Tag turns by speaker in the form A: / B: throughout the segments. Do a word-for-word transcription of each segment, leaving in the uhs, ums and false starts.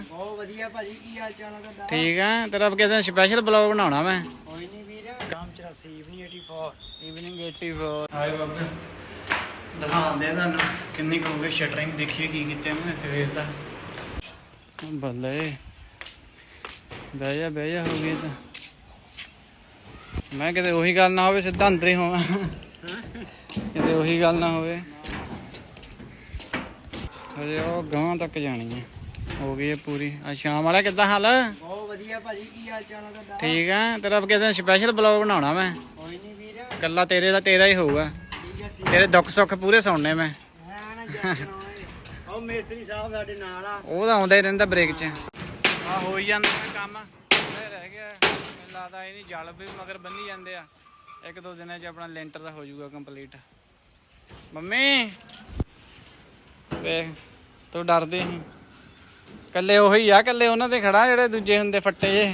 A: ਬਹੁਤ ਵਧੀਆ ਭਾਜੀ, ਕੀ ਹਾਲ ਚਾਲ ਹੈ ਤੁਹਾਡਾ?
B: ਠੀਕ ਆ। ਤੇਰਾ ਕਹਿੰਦਾ ਸਪੈਸ਼ਲ ਬਲੌਗ ਬਣਾਉਣਾ ਮੈਂ।
A: ਕੋਈ ਨਹੀਂ ਵੀਰ, ਨਾਮ ਚੁਰਾਸੀ ਈਵਨਿੰਗ ਚੌਰਾਸੀ
B: ਈਵਨਿੰਗ ਚੌਰਾਸੀ। ਹਾਏ ਬਾਬੇ, ਦਿਖਾਉਂਦੇ ਤੁਹਾਨੂੰ ਕਿੰਨੀ ਕੁ ਹੋ ਗਈ ਸ਼ਟਰਿੰਗ। ਦੇਖੀਏ ਕੀ ਕੀਤਾ ਮੈਂ ਸਵੇਰ ਦਾ। ਬੱਲੇ ਬਹਿ ਜਾ ਬਹਿ ਜਾ, ਹੋ ਗਈ ਤਾਂ। ਮੈਂ ਕਿਤੇ ਉਹੀ ਗੱਲ ਨਾ ਹੋਵੇ ਸਿੱਧਾ ਅੰਦਰ ਹੀ ਹੋਵਾਂ, ਕਿਤੇ ਉਹੀ ਗੱਲ ਨਾ ਹੋਵੇ। ਹਜੇ ਉਹ ਗਾਂ ਤੱਕ ਜਾਣੀ ਹੈ। ਹੋ ਗਈ ਹੈ ਪੂਰੀ। ਆ ਸ਼ਾਮ ਵਾਲਾ ਕਿੱਦਾਂ ਹਾਲ?
A: ਬਹੁਤ ਵਧੀਆ ਭਾਜੀ, ਕੀ ਹਾਲ ਚਾਲ ਹੈ ਤੁਹਾਡਾ?
B: ਠੀਕ ਆ। ਤੇਰਾ ਕਹਿੰਦਾ ਸਪੈਸ਼ਲ ਬਲੌਗ ਬਣਾਉਣਾ ਮੈਂ।
A: ਕੋਈ ਨਹੀਂ ਵੀਰ,
B: ਕੱਲਾ ਤੇਰੇ ਦਾ ਤੇਰਾ ਹੀ ਹੋਊਗਾ।
A: ਠੀਕ ਹੈ ਠੀਕ
B: ਤੇਰੇ ਦੁੱਖ ਸੁੱਖ ਪੂਰੇ ਸੁਣਨੇ ਮੈਂ।
A: ਹੈ ਨਾ ਜੱਟ ਨਾ ਹੋਏ। ਉਹ ਮੇਸਤਰੀ ਸਾਹਿਬ ਸਾਡੇ ਨਾਲ ਆ।
B: ਉਹ ਤਾਂ ਆਉਂਦਾ ਹੀ ਰਹਿੰਦਾ ਬ੍ਰੇਕ 'ਚ। ਆ ਹੋ ਹੀ ਜਾਂਦਾ ਕੰਮ, ਇਹ ਰਹਿ ਗਿਆ। ਮੈਨੂੰ ਲੱਗਦਾ ਇਹ ਨਹੀਂ, ਜਲ ਵੀ ਮਗਰ ਬੰਨੀ ਜਾਂਦੇ ਆ। ਇੱਕ ਦੋ ਦਿਨਾਂ 'ਚ ਆਪਣਾ ਲੈਂਟਰ ਦਾ ਹੋ ਜਾਊਗਾ ਕੰਪਲੀਟ। ਮੰਮੀ ਵੇਖ, ਤੂੰ ਡਰਦੀ ਸੀ। ਕੱਲੇ ਉਹੀ ਆ, ਕੱਲੇ ਉਹਨਾਂ ਤੇ ਖੜਾ ਜਿਹੜੇ ਦੂਜੇ ਹੁੰਦੇ ਫੱਟੇ ਜੇ।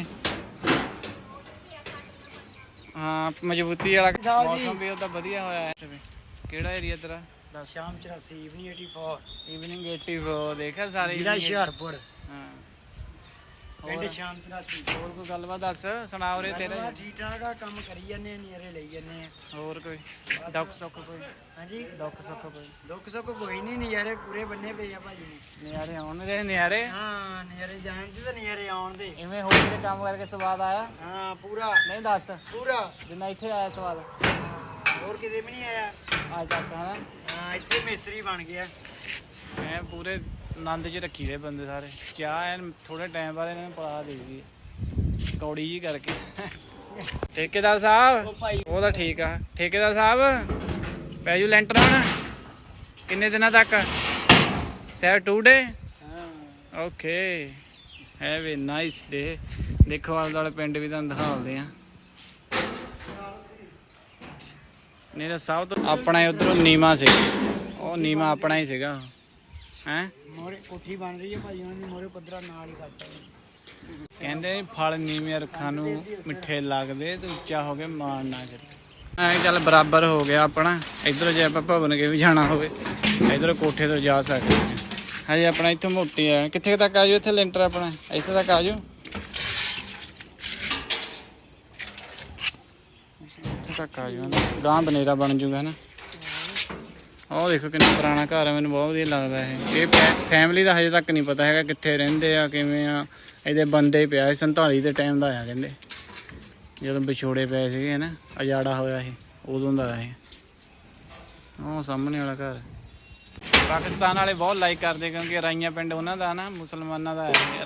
B: ਹਾਂ, ਮਜ਼ਬੂਤੀ ਵਾਲਾ ਮੌਸਮ ਵੀ ਉਹਦਾ ਵਧੀਆ ਹੋਇਆ ਹੈ। ਕਿਹੜਾ ਏਰੀਆ ਤੇਰਾ?
A: ਸ਼ਾਮ ਚੁਰਾਸੀ ਈਵਨਿੰਗ ਚੌਰਾਸੀ
B: ਈਵਨਿੰਗ ਚੌਰਾਸੀ ਦੇਖਿਆ ਸਾਰੇ?
A: ਜ਼ਿਲ੍ਹਾ ਹੁਸ਼ਿਆਰਪੁਰ,
B: ਹਾਂ।
A: ਪਿੰਡ ਸ਼ਾਮ ਚੁਰਾਸੀ।
B: ਹੋਰ ਕੋਈ ਗੱਲਬਾਤ ਦੱਸ, ਸੁਣਾ ਉਰੇ ਤੇਰੇ।
A: ਠੀਕ ਠਾਕ ਆ, ਕੰਮ ਕਰੀ ਜਾਂਦੇ ਆ, ਨਜ਼ਾਰੇ ਲਈ ਜਾਂਦੇ ਆ।
B: ਹੋਰ ਕੋਈ ਦੁੱਖ ਸੁੱਖ ਕੋਈ?
A: ਹਾਂਜੀ,
B: ਦੁੱਖ ਸੁੱਖ ਕੋਈ?
A: ਦੁੱਖ ਸੁੱਖ ਕੋਈ ਨਹੀਂ, ਨਜ਼ਾਰੇ ਪੂਰੇ ਬੰਨੇ ਪਏ ਆ ਭਾਜੀ ਨੇ।
B: ਨਿਆਰੇ ਆਉਣ ਦੇ ਨਿਆਰੇ।
A: ਹਾਂ, ਨਜ਼ਾਰੇ ਜਾਣ ਦੇ ਤੇ ਨਜ਼ਾਰੇ ਆਉਣ ਦੇ।
B: ਇਵੇਂ ਹੋਰ ਕਿਤੇ ਕੰਮ ਕਰਕੇ ਸਵਾਦ ਆਇਆ?
A: ਹਾਂ ਪੂਰਾ,
B: ਨਹੀਂ ਦੱਸ,
A: ਪੂਰਾ।
B: ਜਿੰਨਾ ਇੱਥੇ ਆਇਆ ਸਵਾਦ
A: ਹੋਰ ਕਿਤੇ ਵੀ ਨਹੀਂ ਆਇਆ।
B: ਆ ਚਾਚਾ ਨਾ,
A: ਹਾਂ, ਇੱਥੇ ਮਿਸਤਰੀ ਬਣ ਗਿਆ।
B: ਮੈਂ ਪੂਰੇ ਆਨੰਦ 'ਚ ਰੱਖੀ ਦੇ ਬੰਦੇ ਸਾਰੇ। ਚਾਹ ਐਨ ਥੋੜੇ ਟਾਈਮ ਬਾਅਦ ਇਹਨਾਂ ਨੂੰ ਪਲਾ ਦੇ ਦੀ ਕੌੜੀ ਜੀ ਕਰਕੇ। ਠੇਕੇਦਾਰ ਸਾਹਿਬ, ਉਹ ਤਾਂ ਠੀਕ ਆ। ਠੇਕੇਦਾਰ ਸਾਹਿਬ, ਪੈ ਜੂ ਲੈਂਟਰ ਹੁਣ ਕਿੰਨੇ ਦਿਨਾਂ ਤੱਕ? Sir today?
A: ਹਾਂ,
B: okay, have a nice day. ਦੇਖੋ ਆਲੇ ਦੁਆਲੇ ਪਿੰਡ ਵੀ ਤੁਹਾਨੂੰ ਦਿਖਾਉਂਦੇ ਆ। ਨਹੀਂ ਤਾਂ ਸਭ ਤੋਂ ਆਪਣਾ ਉਧਰੋਂ ਨੀਮਾ ਸੀ, ਉਹ ਨੀਮਾ ਆਪਣਾ ਹੀ ਸੀਗਾ। ਹੈਂ,
A: ਮੋਰੇ ਕੋਠੀ ਬਣ ਰਹੀ ਹੈ ਭਾਜੀ, ਉਹਨਾਂ ਦੀ ਮੋਰੇ ਪੱਧਰਾ ਨਾਲ ਹੀ ਕਰਤਾ।
B: ਕਹਿੰਦੇ ਫਲ ਨੀਵੇਂ ਰੁੱਖਾਂ ਨੂੰ ਮਿੱਠੇ ਲੱਗਦੇ ਤੇ ਉੱਚਾ ਹੋ ਕੇ ਮਾਣ ਨਾ ਕਰੀ। ਐਂ ਚੱਲ ਬਰਾਬਰ ਹੋ ਗਿਆ ਆਪਣਾ। ਇੱਧਰ ਜੇ ਆਪਾਂ ਭਵਨ ਕੇ ਵੀ ਜਾਣਾ ਹੋਵੇ, ਇੱਧਰ ਕੋਠੇ ਤੋਂ ਜਾ ਸਕਦੇ ਹਾਂ। ਹਜੇ ਆਪਣਾ ਇੱਥੋਂ ਮੋਟੀ ਆ। ਕਿੱਥੇ ਤੱਕ ਆ ਜਾਓ ਇੱਥੇ ਲੈਂਟਰ ਆਪਣਾ? ਇੱਥੇ ਤੱਕ ਆ ਜਾਓ, ਇੱਥੇ ਤੱਕ ਆ ਜਾਓ। ਗਾਂ ਬਨੇਰਾ ਬਣ ਜੂਗਾ ਨਾ। ਉਹ ਦੇਖੋ ਕਿੰਨਾ ਪੁਰਾਣਾ ਘਰ ਆ, ਮੈਨੂੰ ਬਹੁਤ ਵਧੀਆ ਲੱਗਦਾ ਇਹ। ਇਹ ਫੈਮਿਲੀ ਦਾ ਹਜੇ ਤੱਕ ਨਹੀਂ ਪਤਾ ਹੈਗਾ ਕਿੱਥੇ ਰਹਿੰਦੇ ਆ, ਕਿਵੇਂ ਆ। ਇਹਦੇ ਬੰਦੇ ਪਿਆ ਸੰਤਾਲੀ ਦੇ ਟਾਈਮ ਦਾ ਆ, ਕਹਿੰਦੇ ਜਦੋਂ ਵਿਛੋੜੇ ਪਏ ਸੀਗੇ ਨਾ, ਉਜਾੜਾ ਹੋਇਆ ਸੀ, ਉਦੋਂ ਦਾ ਇਹ। ਉਹ ਸਾਹਮਣੇ ਵਾਲਾ ਘਰ। ਪਾਕਿਸਤਾਨ ਵਾਲੇ ਬਹੁਤ ਲਾਈਕ ਕਰਦੇ ਕਿਉਂਕਿ ਰਾਈਆਂ ਪਿੰਡ ਉਹਨਾਂ ਦਾ ਨਾ, ਮੁਸਲਮਾਨਾਂ ਦਾ ਹੈ